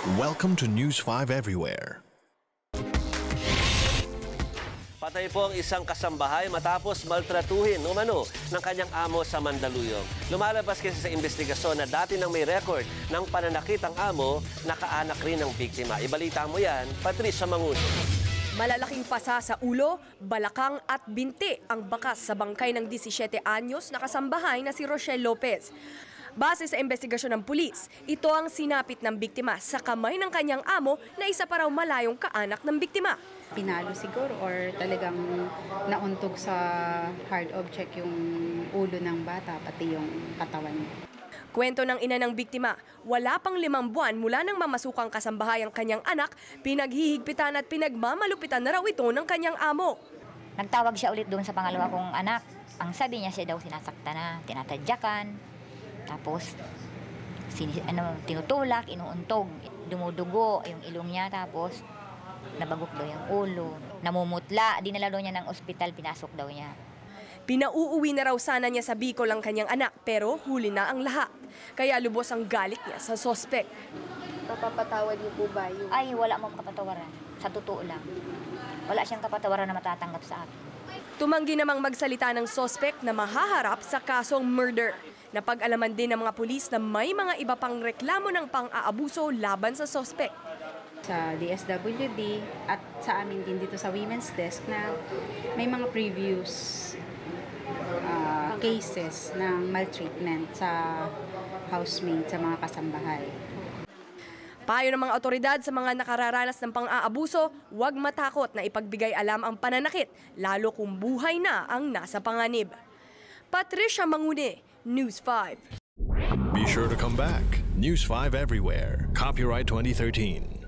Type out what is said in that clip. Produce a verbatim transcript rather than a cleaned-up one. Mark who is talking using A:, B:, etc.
A: Welcome to News five Everywhere.
B: Patay po ang isang kasambahay matapos maltratuhin umano ng kanyang amo sa Mandaluyong. Lumalabas kasi sa investigasyon na dati nang may record ng pananakit ang amo, nakaanak rin ng biktima. Ibalita mo yan, Patricia Manguno.
C: Malalaking pasa sa ulo, balakang at binti ang bakas sa bangkay ng labing-siyam anyos na kasambahay na si Rochelle Lopez. Base sa investigasyon ng pulis, ito ang sinapit ng biktima sa kamay ng kanyang amo na isa pa raw malayong kaanak ng biktima.
D: Pinalo siguro or talagang nauntog sa hard object yung ulo ng bata pati yung katawan niya.
C: Kwento ng ina ng biktima, wala pang limang buwan mula nang mamasukang kasambahay ang kanyang anak, pinaghihigpitan at pinagmamalupitan na raw ito ng kanyang amo.
E: Nagtawag siya ulit doon sa pangalawa kong anak. Ang sabi niya siya daw sinasaktan na, tinatadyakan, tapos sin, ano, tinutulak, inuuntog, dumudugo yung ilong niya, tapos nabagok daw yung ulo, namumutla, dinala daw niya ng ospital, pinasok daw niya.
C: Pinauuwi na raw sana niya sa Bicol ang kanyang anak pero huli na ang lahat. Kaya lubos ang galit niya sa sospek.
F: Papapatawad niyo po ba yung...
E: Ay, wala mong kapatawaran. Sa totoo lang. Wala siyang kapatawaran na matatanggap sa akin.
C: Tumanggi namang magsalita ng sospek na mahaharap sa kasong murder. Napag-alaman din ng mga pulis na may mga iba pang reklamo ng pang-aabuso laban sa sospek.
D: Sa D S W D at sa amin din dito sa Women's Desk na may mga previous uh, cases ng maltreatment sa housemate, sa mga kasambahay.
C: Payo ng mga otoridad sa mga nakararanas ng pang-aabuso, huwag matakot na ipagbigay alam ang pananakit, lalo kung buhay na ang nasa panganib. Patricia Mangune, News five.
A: Be sure to come back. News five Everywhere. Copyright twenty thirteen.